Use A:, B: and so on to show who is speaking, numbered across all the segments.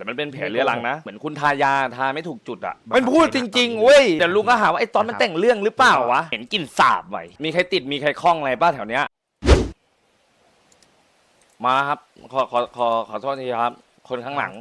A: มันเป็นแผลเรื้อรังนะเหมือนคุณทายาทาไม่ถูกจุดอ่ะมันพูดจริงๆเว้ยแต่ลุงก็หาว่าไอ้ตอนมันแต่งเรื่องหรือเปล่าวะเห็นกลิ่นสาบไว้มีใครติดมีใครคล้องอะไรป้าแถวเนี้ยมาครับขอโทษทีครับคนข้างหลัง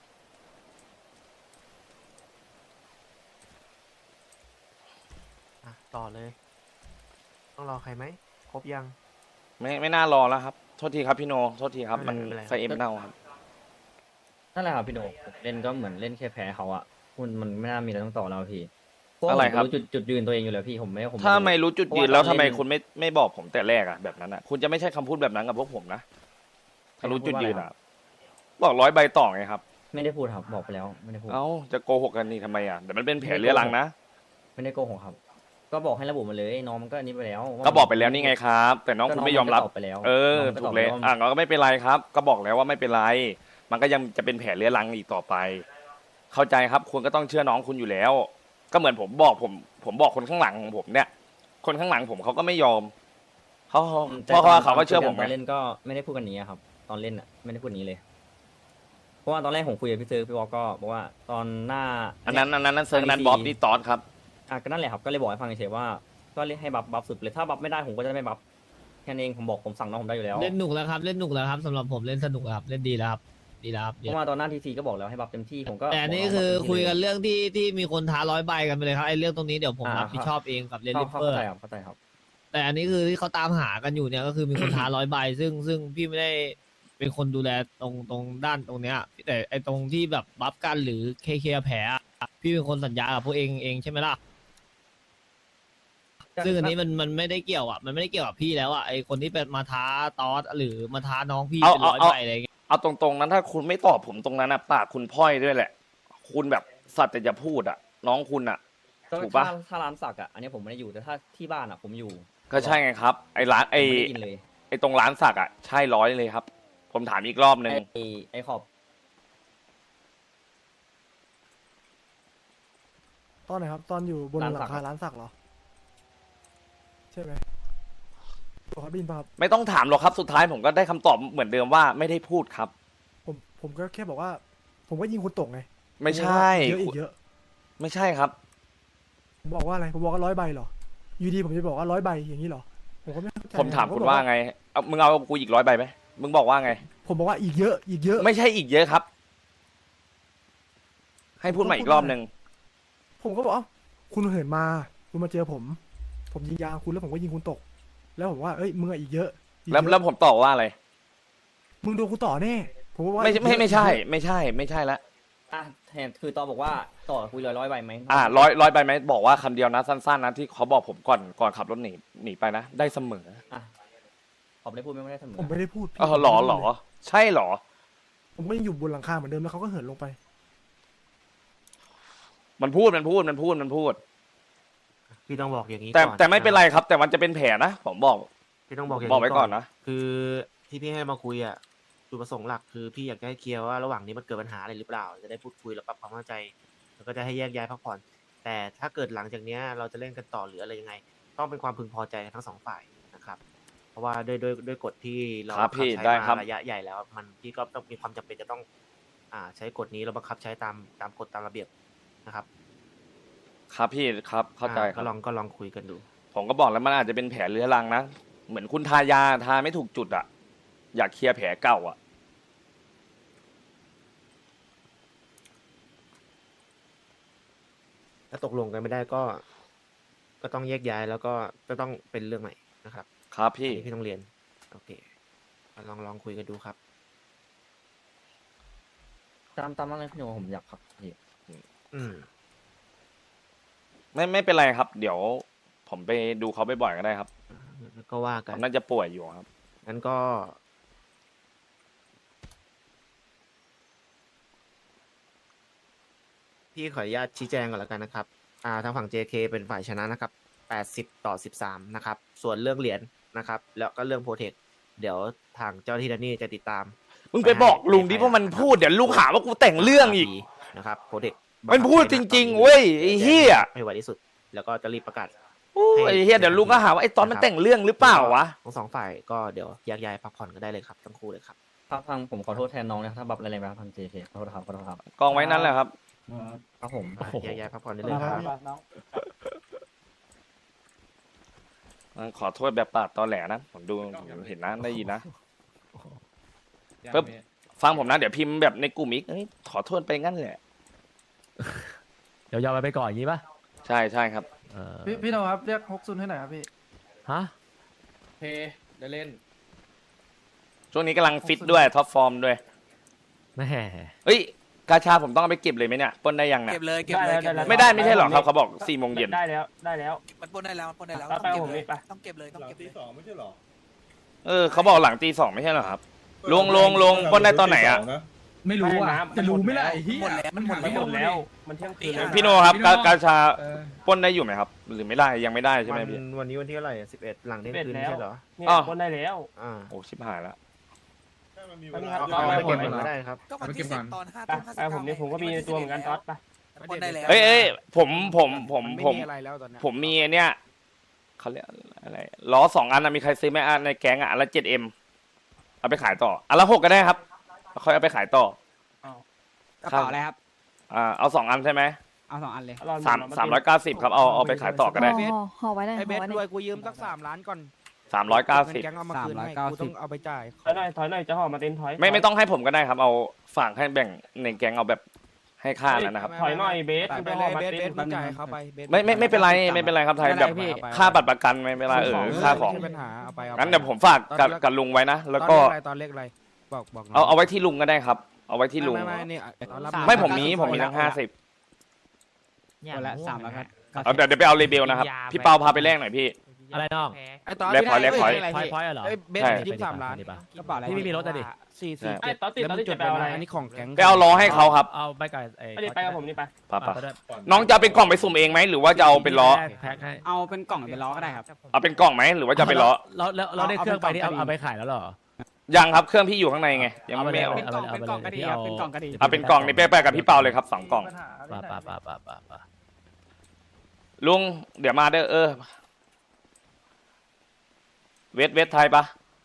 B: ต่อเลยต้องรอใครไหมครบยัง
A: ไม่น่ารอแล้วครับโทษทีครับพี่โนโทษทีครับมันไฟเอ็มเน่าครับ
C: นั่นแหละครับพี่โหนกเล่นก็เหมือนเล่นแค่แพ้เขาอะคุณมันไม่น่ามีอะไรต้องต่อแล้วพี่
A: อะไรครับ
C: จุดยืนตัวเองอยู่แล้วพี่ผม
A: ถ้าไม่รู้จุดยืนแล้วทำไมคุณไม่บอกผมแต่แรกอะแบบนั้นอะคุณจะไม่ใช่คำพูดแบบนั้นกับพวกผมนะถ้ารู้จุดยืนอะบอก100 ใบต่อไงครับ
C: ไม่ได้พูดครับบอกไปแล้วไม่ได้พูด
A: เอ้าจะโกหกกันนี่ทำไมอะแต่มันเป็นแผลเรื้อรังนะ
C: ไม่ได้โกหกครับก็บอกให้ระบุมาเลยน้องมันก็อันนี้ไปแล้ว
A: ก็บอกไปแล้วนี่ไงครับแต่น้องคุณไม่ยอมรับถูกเลยเราก็ไม่เป็นไรครับก็บอกแล้วว่าไม่เป็นไรมันก็ยังจะเป็นแผลเรื้อรังอีกต่อไปเข้าใจครับคุณก็ต้องเชื่อน้องคุณอยู่แล้วก็เหมือนผมบอกคนข้างหลังของผมเนี่ยคนข้างหลังผมเขาก็ไม่ยอมเพราะเขาก็เชื่อผม
C: ตอนเล่นก็ไม่ได้พูดกันนี้ครับตอนเล่นอะไม่ได้พูดนี้เลยเพราะว่าตอนแรกผมคุยกับพี่ซื้อพี่วอลก็บอกว่าตอนหน้า
A: อันนั้นเซิร์ฟนั้นบ๊อบนี่ตอสครับ
C: ก็นั่นแหละครับก็เลยบอกให้ฟังเฉยๆว่าก็เล่นให้บัฟสุดเลยถ้าบัฟไม่ได้ผมก็จะไม่บัฟแค่นั้นเองผมสั่งน้องผมได้อยู่แล้ว
D: เล่นหนุกแล้วครับเล่นหนุกแล้วครับสำหรับผมเล่นสนุกครับเล่นดีแล้วครับ
C: เพราะว่าตอนหน้าทีซีก็บอกแล้วให้บัฟเต็มที่ผมก็
D: แต่นี่คือคุยกันเรื่องที่มีคนท้า100 ใบกันไปเลยครับไอ้เรื่องตรงนี้เดี๋ยวผมรับผิดชอบเองกับเรนลิเปอร์
C: เข้าใจครับ
D: แต่อันนี้คือที่เขาตามหากันอยู่เนี่ยก็คือมีคนท้า100 ใบซึ่งพี่ไม่ได้เป็นคนดูแลตรงด้านตรงเนี้ยแต่ไอ้ตรงที่แบบบัฟกันหรือเคลียร์แผลพี่เป็นคนสัญญากับพวกเองใช่ไหมล่ะซึ่งอันนี้มันไม่ได้เกี่ยวอ่ะมันไม่ได้เกี่ยวกับพี่แล้วอ่ะไอคนที่เป็นมาท้าตอสหรือมาท้าน้องพี่เป็น100 ใบอะไรเงี้ย
A: เอาตรงๆนั้นถ้าคุณไม่ตอบผมตรงนั้นนะปากคุณพ่อยด้วยแหละคุณแบบสัตว์แต่จะพูดอ่ะน้องคุณอ่ะถูกปะ
C: ถ้าร้านสักอ่ะอันนี้ผมไม่ได้อยู่แต่ถ้าที่บ้านอ่ะผมอยู่
A: ก็ใช่ไงครับไอร้านไอตรงร้านสักอ่ะใช่100เลยครับผมถามอีกรอบนึง
C: ไอขอบ
B: ตอนไหนครับตอนอยู่บนหลังคาร้านสักเหรอใช่ไหมขอบินป่ะครับ
A: ไม่ต้องถามหรอกครับสุดท้ายผมก็ได้คำตอบเหมือนเดิมว่าไม่ได้พูดครับ
B: ผมก็แค่บอกว่าผมก็ยิงคุณตกไง
A: ไม่ใช่
B: เยอะอีกเยอะ
A: ไม่ใช่ครับ
B: ผมบอกว่าอะไรผมบอกว่า100 ใบเหรออยู่ดีผมจะบอกว่า100 ใบอย่างนี้เหรอผมก็ไม่เข้าใจ
A: ผมถามคุณว่าไงมึงเอากูอีก100 ใบไหมมึงบอกว่าไง
B: ผมบอกว่าอีกเยอะ
A: ไม่ใช่อีกเยอะครับให้พูดใหม่อีกรอบนึง
B: ผมก็บอกคุณเหินมาคุณมาเจอผมยิงยางคุณแล้วผมก็ยิงคุณตกแล้วผมว่าเอ้ยมึงอีกเยอะ
A: แล้วผมตอบว่าอะไร
B: มึงโดนกูต่อแน่ผมว่า
A: ไม่ใช่ละ
C: แทนคือตอบอกว่าต่อคุย100 ใบไหม
A: 100 ใบไหมบอกว่าคำเดียวนะสั้นๆนะที่เขาบอกผมก่อนขับรถหนีไปนะได้เสมอ
C: ผมได้พูดไม่ได้เสมอ
B: ผมไม่ได้พูด
A: หรอใช่หรอ
B: ผมก็ยังอยู่บนหลังคาเหมือนเดิมแล้วเขาก็เหินลงไป
A: มันพูด
E: พี่ต้องบอกอย่างนี้
A: แต่ไม่เป็นไรครับแต่มันจะเป็นแผลนะผมบอก
E: พี่ต้องบอกอย่าง
A: นี้บอกไว้ก่อนนะ
E: คือที่พี่ให้มาคุยอ่ะจุดประสงค์หลักคือพี่อยากให้เคลียร์ว่าระหว่างนี้มันเกิดปัญหาอะไรหรือเปล่าจะได้พูดคุยแล้วปรับความเข้าใจแล้วก็จะให้แยกย้ายพักผ่อนแต่ถ้าเกิดหลังจากนี้เราจะเล่นกันต่อหรืออะไรยังไงต้องเป็นความพึงพอใจทั้ง2 ฝ่ายนะครับเพราะว่าด้วยกฎที่เรา
A: ใช้มา
E: ระยะใหญ่แล้วมันพี่ก็ต้องมีความจำเป็นจะต้องใช้กฎนี้เราบังคับใช้ตามกฎตามระเบียบนะครับ
A: ครับพี่ครับเข้าใจ
E: ก็ลองคุยกันดู
A: ผมก็บอกแล้วมันอาจจะเป็นแผลเรื้อรังนะเหมือนคุณทายาทาไม่ถูกจุดอ่ะอยากเคลียร์แผลเก่าอ่ะ
E: ถ้าตกลงกันไม่ได้ก็ต้องแยกย้ายแล้วก็ต้องเป็นเรื่องใหม่นะครับ
A: ครับพี่
E: ต้องเรียนโอเคลองคุยกันดูครับ
C: ตามนั้นเลยพี่โนผมอยากครับพี่
A: ไม่เป็นไรครับเดี๋ยวผมไปดูเขาบ่อยๆก็ได้ครับ
E: ก็ว่ากัน
A: น่าจะป่วยอยู่ครับ
E: งั้นก็พี่ขออนุญาตชี้แจงก่อนแล้วกันนะครับทางฝั่ง JK เป็นฝ่ายชนะนะครับ80-13นะครับส่วนเรื่องเหรียญนะครับแล้วก็เรื่องโปรเทคเดี๋ยวทางเจ้าที่แดนนี่จะติดตาม
A: มึงไปบอกลุงดิว่ามันพูดเดี๋ยวลุงหาว่ากูแต่งเรื่องอีก
E: นะครับโปรเทค
A: มันพูดจริงๆเว้ยไอ้เหี้ย
E: ให้ไวที่สุดแล้วก็จะรีบประกาศ
A: ไอ้เหี้ยเดี๋ยวลุงก็หาว่าไอ้ตอนมันแต่งเรื่องหรือเปล่าวะ
E: ทั้ง2 ฝ่ายก็เดี๋ยวแยกย้ายพักผ่อนก็ได้เลยครับทั้งคู่เลยครับ
C: พังผมขอโทษแทนน้องนะถ้าบับอะไรไปครับพัง JK ขอโทษครับขอโทษครับ
A: กองไว้นั่นแหละครับ
C: ครับผม
E: แยกย้ายพักผ่อนได้เลยครับ
A: ขอโทษแบบปาดตอแหลนะผมดูเห็นนะได้ยินนะ ปึ๊บ ฟังผมนะเดี๋ยวพิมพ์แบบในกลุ่มอีกขอโทษไปงั้นแหละ
F: เดี๋ยวยอมไปก่อนอย่างนี้ป่ะ
A: ใช่ใช่ครับ
G: พี่โนครับเรียกฮกซุนให้หน่อยครับพี่
F: ฮะ
G: ได้เล่น
A: ช่วงนี้กำลังฟิตด้วยท็อปฟอร์มด้วย
F: แม่
A: เอ้ยกาชาผมต้องเอาไปเก็บเลยไหมเนี่ยปล้นได้ยังเนี่ย
H: เก็บเลยเก็บเลยเก็บเลย
A: ไม่ได้ไม่ใช่หรอครับเขาบอก4 โมงเย็น
I: ได้แล้วได้แล้ว
H: มันปล้นได้แล้วมันปล้นได้แล้ว
I: แล้ว
H: ต้องเก็บ
I: ไปผม
H: เล
I: นี่
H: ย
I: ไป
H: ต้องเก็บเลยต้องเก็บเลย
A: เขาบอกหลังตี 2ไม่ใช่เหรอครับลงปล้นได้ตอนไหนอ่ะ
G: ไม่รู้อ่ะ
I: ไม่
G: จะรู้ไหม่
I: หมด
G: ล่ะ
I: แล้ว
G: ไอ้เหี้ย
H: หมดแล้วมันหมด
I: ไม่
H: แล้ว
I: หมดแล้ว มันเที่ยงคืนแล้ว
A: พี่โนครับ
G: พี่โน่
A: กาชา
G: เออ
A: ปล้นได้อยู่ไหมครับ หรือไม่ได้ยังไม่ได้ใช่ไหมพี่
E: วันนี้วันที่เท่าไหร่11 หลังเที่ยงคืน
I: 11
E: ไม่ใช่เหรอ
I: เนี่ย
A: อ้าว
I: ปล้นได้แล้ว
E: อ่า
A: โอ้ชิบหายแล้ว
I: อันนี้ครับ
E: เอาไปเก็บ
I: หม
E: ก่อน
I: ด
E: ก็ได้ครับ
H: ก็วันที่
G: เอาไปเก็บก่อน
H: 10 ตอน5
I: ไป
H: ทุ่ม
I: ไปผมนี่ผมก็มีในตัวเหมือนกันต๊อดไป
H: มันปล้นได้แล้ว
A: เอ้ยผมผม
B: อะไรแล้วตอนนี้
A: ผมมีไอ้เนี่ยเขาเรียกอะไรล้อ2 อันนะมีใครซื้อไหมในแก๊งอ่ะอันละ7M เอาไปขายต่ออันละ6ก็ได้ครับค่อยเอาไปขายต่อก
J: ระเป๋าอะไรครับ
A: เอา2 อันใช่ไหม
J: เอา2 อันเลย
A: 390ครับเอาไปขายต่อก็ได้
K: ห่อไว้เลย
J: ไอ
K: ห่
J: เบ
K: อ
J: ส
K: ไว้เล
J: ด้วย
K: ย
J: กูยืมสัก3 ล้านก่อน
A: 390
J: แก๊งเอามาคืนให้กูต้องเอาไปจ่าย
I: ถอยหน่อยจะห่อมาเต็นถอย
A: ไม่ต้องให้ผมก็ได้ครับ เอาฝากให้แบ่งในแก๊งเอาแบบให้ค่าแล้วนะครับ
I: ถอยหน่อยเบส
J: ไป
I: จะ
J: เล
I: ห่อย มา
J: เบส
I: เต็น
J: มึงจ่ายเขาไปเบส
A: ไม่เป็นไรไม่เป็นไรครับไทยแบบค่าบัตรประกันไม่เป็นไรค่าของ
J: ไม่มีปัญหาเอาไป
A: งั้นเดี๋ยวผมฝากกับลุงไว้นะแล้วก็
J: ตอนเลขอะไรบอกหน่ย
A: เอาไว้ที่ลุงก็ได้ครับ เอาไว้ที่ลุง
J: ไม่นี่ตอนรับ
A: ไม่ผมมีทั้ง50
J: คนละ3 แล้วครับ
A: เอาเดี๋ยวไปเอาเลเบลนะครับพี่เปาพาไปแลกหน่อยพี่
F: อะไรน้อง
J: ไอตอน
A: แลกพอยต์
F: พอยต์เหรอ
J: เบส
A: ใช่
J: ยืม3 ล้าน กระเป๋าอะไร
F: พี่ไม่มีรถอะดิ
J: 4
I: ไอ้ต๊อดติด
J: แล้ว
I: ต๊อด
J: มึ
I: ติ
J: ง
I: ด
J: จ
I: จะ
J: ด
I: ไป
J: ไป
I: เอาอะไร
J: อันนี้ของแก๊ง
A: ไปเอาล้อให้เขาครับ
F: เอาไปกับไอ้
I: ไม่ได้ไปกับผมนี่ไป
A: ป่ะน้องจะเอาเป็นกล่องไปสุ่มเองไหมหรือว่าจะเอาเป็นล้อ
F: แพ็คให้
J: เอาเป็นกล่องเป็นล้อก็ได้ครับ
A: เอาเป็นกล่องไหมหรือว่าจะเอาเป็นล้อ
F: แล้วเราได้เครื่องไปนี่เอาไปขายแล้วเหรอ
A: ยังครับเครื่องพี่อยู่ข้างในไงยังไม่เอา
J: เป็นกล่องเป็นกล่องก็ดีครับเป็นกล่องก็ดี
A: เอาเป็นกล่องนี่ไปกับพี่เปาเลยครับ2 กล่อง
F: ป่ะ
A: ลุงเดี๋ยวมาเด้อเวทไทยปะ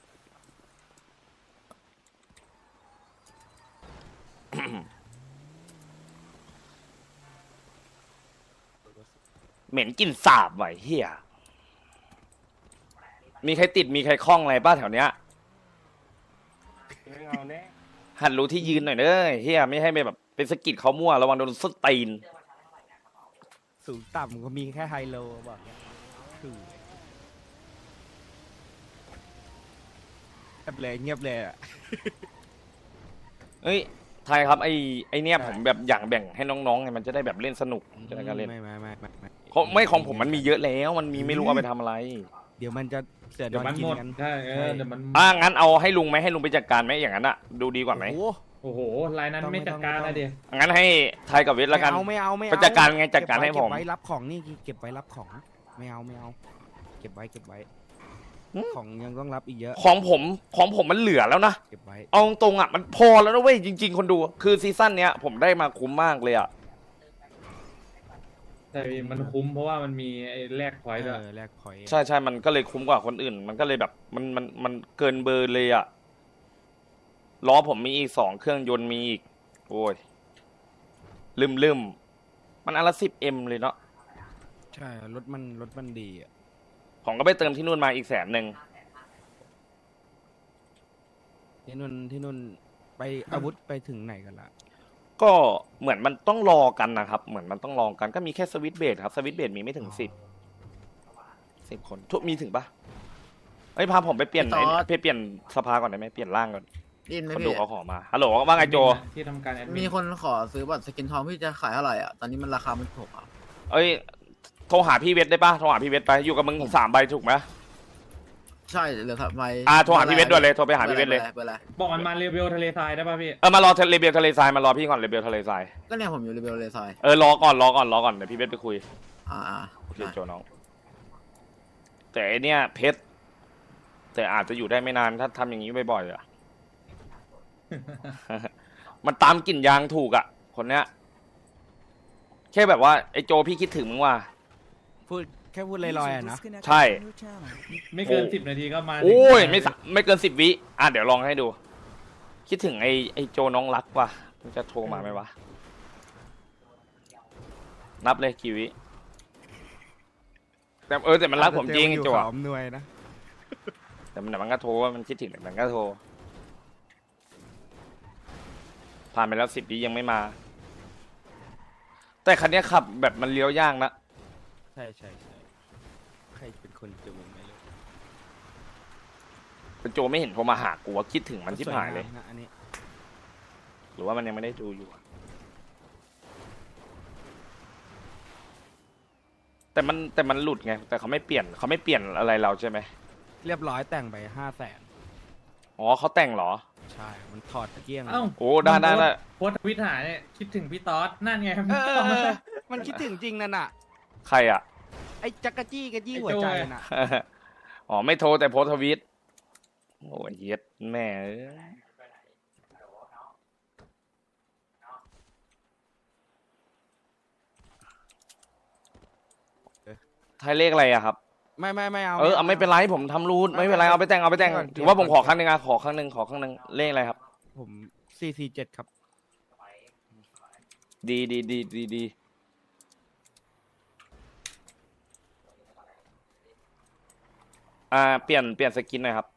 A: เหม็นกลิ่นสาบไหวเฮียมีใครติดมีใครคล้องอะไรป้าแถวเนี้ย
I: ไม่เอาแน่
A: หัดรู้ที่ยืนหน่อยเด้อเฮียไม่ให้ไปแบบเป็นสะกิดเขามั่วระวังโดนส้นตีน
J: สูงต่ำก็มีแค่ไฮโลบอกคือเงียบเลยอ่ะ
A: เอ้ยไทยครับไอ้เนี่ยผมแบบอยากแบ่งให้น้องๆไงมันจะได้แบบเล่นสนุกจะได้การเล่น ไม่ของผมมันมีเยอะแล้วมันมีไม่รู้เอาไปทำอะไร
J: เดี๋ยวมันจะเสือนอนกินกัน
G: ใช่เดี๋ยวมัน
A: งั้นเอาให้ลุงไหมให้ลุงไปจัดการไหมอย่างนั้นอะดูดีกว่าไหม
G: โอ้โหลายนั้นไม่จัดการนะเดีย
A: งั้นให้ไทยกับเวทแล้วกัน
J: ไม่เอา
A: ก็จัดการไงจัดการให้ผม
J: เก็บไว้รับของนี่เก็บไว้รับของไม่เอาเก็บไว้ของยังต้องรับอีกเยอะ
A: ของผมมันเหลือแล้วนะ
J: เก็บไว้
A: เอาตรงๆอะมันพอแล้วนะเว้ยจริง ๆ คนดูคือซีซั่นเนี้ยผมได้มาคุ้มมากเลยอะ
G: แต่มันคุ้มเพราะว่ามันมีไอ้แลกพอยต์ด้วย
J: แลกพอยต์
A: ใช่มันก็เลยคุ้มกว่าคนอื่น มันก็เลยแบบมันเกินเบอร์เลยอะล้อผมมีอีก2 เครื่องยนต์มีอีกโอ้ยลืมมันอันละ10M เลยเนาะ
J: ใช่รถมันดีอ่ะ
A: ผมก็ไปเติมที่นู่นมาอีก100,000
J: ที่นู่นไปอาวุธไปถึงไหนกันละ
A: ก็เหมือนมันต้องรอกันนะครับเหมือนมันต้องรอกันก็มีแค่สวิตช์เบรดครับสวิตช์เบรดมีไม่ถึง10 คนทุกมีถึงปะเอ้ยพาผมไปเปลี่ยนไปเปลี่ยนสภาก่อนได้ไหมเปลี่ยนร่างก่อน
L: ดินไหม
A: คน
L: พี่
A: ดูเขาขอมาฮัลโหลว่าไงโจ
G: ที่ทำการแอดมิ
L: มี
G: น
L: คนขอซื้อบัตรสกินทองพี่จะขายเท่าไหร่อ่ะ ตอนนี้มันราคามันถูกอ่ะ
A: เอ้ยโทรหาพี่เวทได้ปะโทรหาพี่เวทไปอยู่กับมึง3 ใบถูกไหม
L: ใช่เหลือทำไม
A: โทรหาพี่เวทด้วยเลยโทรไปหาพี่เวทเลย
L: เบอร์อะไร
G: บอกมันมาเรเบลทะเลทรายได้ป่ะพี่
A: มารอเรเบลทะเลทรายมารอพี่ก่อนเรเบลทะเลทราย
L: ก็เนี่ยผมอยู่เรเบลเลยซอย
A: รอก่อนเดี๋ยวพี่เวทไปคุย โอเค
L: ได้
A: โจน้องแต่ไอเนี้ยเพชรแต่อาจจะอยู่ได้ไม่นานถ้าทำอย่างนี้บ่อยๆอะ มันตามกลิ่นยางถูกอ่ะคนเนี้ยแค่แบบว่าไอโจพี่คิดถึงมึงว่า
J: แค่พูดลอยๆอ่ะนะ
A: ใช่
G: ไม่เกิน10 นาทีก็มา
A: โอ้ยไม่เกิน10 วิเดี๋ยวลองให้ดูคิดถึงไอโจน้องรักว่ะมันจะโทรมาไหมวะนับเลยกี่วิแต่มันรักผมจริงโจอะ
J: อมนวยนะ
A: แต่มันก็โทรว่ามันคิดถึงแต่มันก็โทรผ่านไปแล้ว10 วิยังไม่มา แต่คันนี้ขับแบบมันเลี้ยวยากนะ
J: ใช่ใช่ใช่ใครเป็นคนจูงไม่รู้
A: เป็นโจไม่เห็นโทรมาหากูว่าคิดถึงมันที่หายเลย
J: สวงมนะอันนี้
A: หรือว่ามันยังไม่ได้ดูอยู่อะแต่มันหลุดไงแต่เขาไม่เปลี่ยนอะไรเราใช่ไหม
J: เรียบร้อยแต่งไป500,000
A: อ๋อเขาแต่งเหรอ
J: ใช่ มันถอดตะเกียง
G: เอ้า
A: โอ้ได้
G: โพสต์ทวิตหาเนี่ยคิดถึงพี่ต๊อดนั่นไง
J: มันคิดถึงจริงนั่นน่ะ
A: ใครอ่ะ
J: ไอ้จักรจี้กระจี้หัวใจน่ะ
A: อ๋อไม่โทรแต่โพสต์ทวิตโอ้ยเหี้ย็ดแม่เอ้ยไทยเลขอะไรอะครับ
J: ไม่เอา
A: เอาไม่เป็นไรผมทำรูทไม่เป็นไรเอาไปแต่งถือว่าผมขอครั้งหนึ่งขอครั้งหนึ่งเลขอะไรครับ
J: ผม447 ครับ
A: ดีเปลี่ยนสกินหน่อยครับ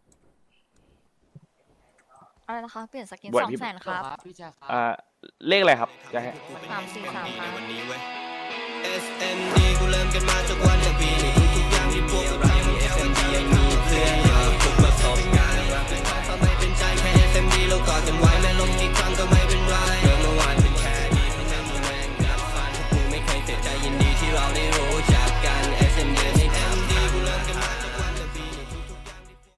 K: อะไรนะคะเปลี่ยนสกิน
A: บวชพี่
K: 200,000ครับ
A: เลขอะไรครับจะให้
K: 343ครับ
M: SND กูเริ่มกันมาจากวันอย่างปีนี้ทุกอย่างที่พวกเราทำ SND ยังมีเพื่อน